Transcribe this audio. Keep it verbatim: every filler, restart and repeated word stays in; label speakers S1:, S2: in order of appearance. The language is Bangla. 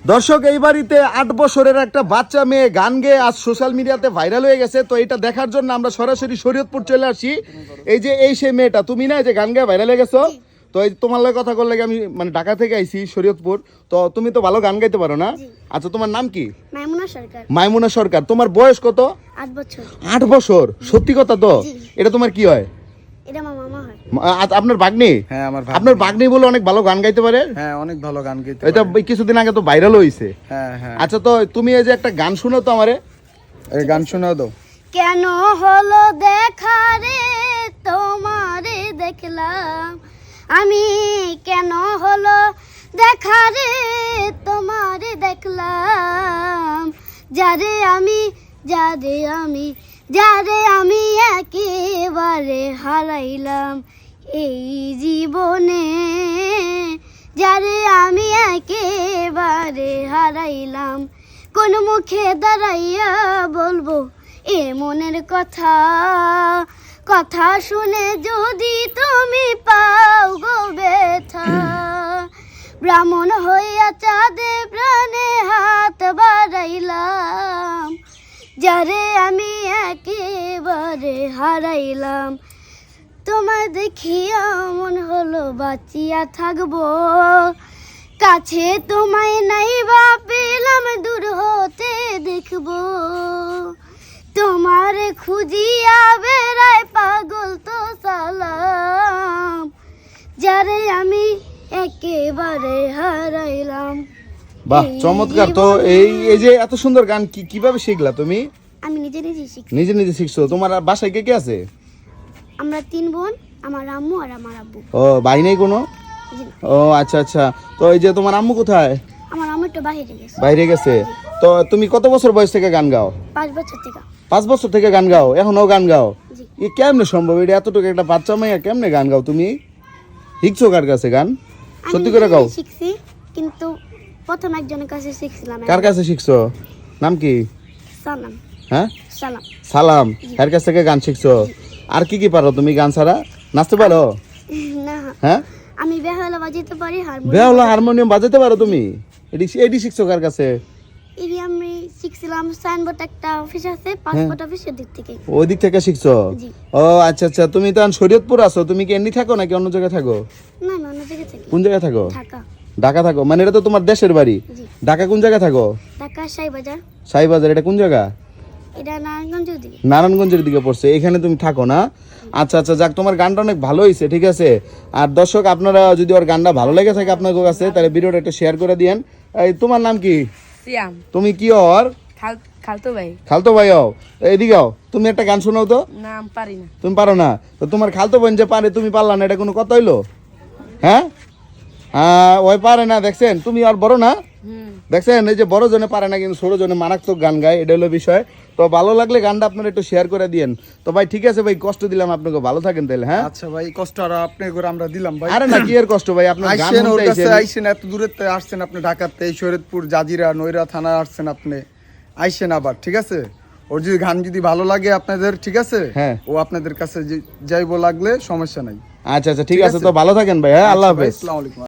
S1: দর্শক, এই বাড়িতে আট বছরের একটা বাচ্চা মেয়ে গান গেয়ে আজ সোশ্যাল মিডিয়াতে ভাইরাল হয়ে গেছে। তো এটা দেখার জন্য আমরা সরাসরি শরীয়তপুর চলে আসি। এই যে এই সেই মেয়েটা, তুমি না, এই যে গান গেয়ে ভাইরাল হয়ে গেছো। তো এই তোমার লগে কথা করলে আমি মানে ঢাকা থেকে আইছি শরীয়তপুর। তো তুমি তো ভালো গান গাইতে পারো না? আচ্ছা, তোমার নাম কি?
S2: মাইমুনা সরকার।
S1: মাইমুনা সরকার। তোমার বয়স কত?
S2: আট বছর।
S1: আট বছর? সত্যি কথা তো? এটা তোমার কি হয়?
S2: এটা আমার মামা হয়।
S1: আ- আপনার ভাগ্নি?
S3: হ্যাঁ, আমার ভাই।
S1: আপনার ভাগ্নি বলে অনেক ভালো গান গাইতে পারে।
S3: হ্যাঁ, অনেক ভালো গান গাইতে
S1: এটা
S3: পারে।
S1: কিছুদিন আগে তো ভাইরাল হয়েছে।
S3: হ্যাঁ হ্যাঁ,
S1: আচ্ছা, তো তুমি এই যে একটা গান শুনো তো আমারে।
S3: এই গান শোনাও দাও।
S2: কেন হলো দেখা রে তোমারে দেখলাম আমি, কেন হলো দেখা রে তোমারে দেখলাম, যারে আমি যারে আমি যারে আমি একেবারে হারাইলাম এই জীবনে, যারে আমি একেবারে হারাইলাম, কোন মুখে দাঁড়াইয়া বলবো এ মনের কথা, কথা শুনে যদি তুমি পাও গো ব্যথা, ব্রাহ্মণ হইয়া চাঁদে প্রাণে হাত বাড়াইলাম, যারে আমি একেবারে হারাইলাম, তোমায় দেখিয়া মন হলো বাঁচিয়া থাকবো, কাছে তোমায় নাই বা পেলাম দূর হতে দেখবো, তোমার খুঁজিয়া বেড়ায় পাগল তো সালাম, যারে আমি একেবারে হারাইলাম।
S1: বাহ, চমৎকার। তো এই এই যে এত সুন্দর গান কি কিভাবে শিখলা তুমি?
S2: আমি নিজে নিজে শিখি।
S1: নিজে নিজে শিখছো? তোমার আর বাসায় কে কে আছে?
S2: আমরা তিন বোন, আমার আম্মু আর আমার আব্বু।
S1: ও, ভাই নেই কোনো?
S2: জি।
S1: ও আচ্ছা আচ্ছা। তো এই যে তোমার আম্মু কোথায়?
S2: আমার আম্মু একটু বাইরে গেছে।
S1: বাইরে গেছে। তো তুমি কত বছর বয়স থেকে গান গাও?
S2: পাঁচ বছর থেকে।
S1: পাঁচ বছর থেকে গান গাও? এখনো গান গাও?
S2: জি।
S1: এ কেমনে সম্ভব? এটা এতটুকু একটা বাচ্চা মেয়ে কেমনে গান গাও তুমি? শিখছো কার কাছে গান? সত্যি করে গাও।
S2: আমি শিখছি, কিন্তু প্রথম একজনের কাছে শিখছিলাম।
S1: কার কাছে শিখছো? নাম কি?
S2: সালাম।
S1: হ্যাঁ,
S2: সালাম।
S1: সালাম। এর কাছ থেকে গান শিখছো? আর কি কি পারো তুমি গান ছাড়া? নাচতে পারো?
S2: না,
S1: হ্যাঁ,
S2: আমি বেহালা বাজাতে পারি, হারমোনিয়াম।
S1: বেহালা হারমোনিয়াম বাজাতে পারো তুমি? এডি এডি শিখছো কার কাছে?
S2: এটি আমি শিখছিলাম সাইনবোর্ড একটা অফিস আছে, পাসপোর্ট অফিসের দিক থেকে।
S1: ওই দিক থেকে শিখছো?
S2: জি।
S1: ও আচ্ছা আচ্ছা। তুমি তো এখন শরীয়তপুর আছো, তুমি কি এমনি থাকো নাকি অন্য জায়গায় থাকো?
S2: না, আমি অন্য জায়গায় থাকি।
S1: কোন জায়গায় থাকো?
S2: ঢাকা।
S1: ঢাকা থাকো? মানে এটা তো তোমার দেশের বাড়ি।
S2: জি।
S1: ঢাকা কোন জায়গায় থাকো?
S2: ঢাকা সাইবাজার।
S1: সাইবাজার? এটা কোন জায়গা?
S2: এটা নারায়ণগঞ্জের দিকে।
S1: নারায়ণগঞ্জের দিকে পড়ছে। এখানে তুমি থাকো না? আচ্ছা আচ্ছা, যাক, তোমার গানটা অনেক ভালো হয়েছে, ঠিক আছে। আর দর্শক, আপনারা যদি ওর গানটা ভালো লেগে থাকে আপনার কাছে, তাহলে ভিডিওটা একটু শেয়ার করে দিয়েন। এই তোমার নাম কি?
S4: সিয়াম।
S1: তুমি কি ওর
S4: খাল খালতো ভাই।
S1: খালতো ভাই হও? এদিকে হও, তুমি একটা গান শোনাও তো।
S4: নাম পারি না।
S1: তুমি পারো না? তো তোমার খালতো বোন যে পারে, তুমি পারলা না, এটা কোনো কথা হইলো? হ্যাঁ হ্যাঁ, ওই পারে না, দেখছেন? তুমি আর বড় না,
S4: হুম।
S1: দেখছেন? এই যে বড় জনে পারে না, কিন্তু ছোট জনে মারাত্মক গান গায়, এটা হলো বিষয়। তো ভালো লাগলে গানটা আপনারা একটু শেয়ার করে দিয়েন। তো ভাই ঠিক আছে ভাই, কষ্ট দিলাম আপনাকে, ভালো থাকেন তাহলে। হ্যাঁ,
S3: আচ্ছা ভাই, কষ্ট আর আপনি করে আমরা দিলাম ভাই।
S1: আরে না, কি এর কষ্ট ভাই, আপনার গান
S3: আইসেন ওর
S1: শুনতে
S3: কাছে,
S1: আইছেন।
S3: আইসেন এত দূরে আসছেন আপনি, ঢাকাতে এই শরীয়তপুর জাজিরা নৈরা থানা আসছেন আপনি, আইসেন আবার, ঠিক আছে। ওর যদি গান যদি ভালো লাগে আপনাদের, ঠিক আছে,
S1: হ্যাঁ।
S3: ও আপনাদের কাছে যে- যাইবো লাগলে সমস্যা নাই।
S1: আচ্ছা আচ্ছা, ঠিক আছে। তো ভালো থাকেন ভাই। হ্যাঁ, আল্লাহ
S3: আচ্ছা ভাই,
S1: হাফেজ।
S3: আসসালামু আলাইকুম।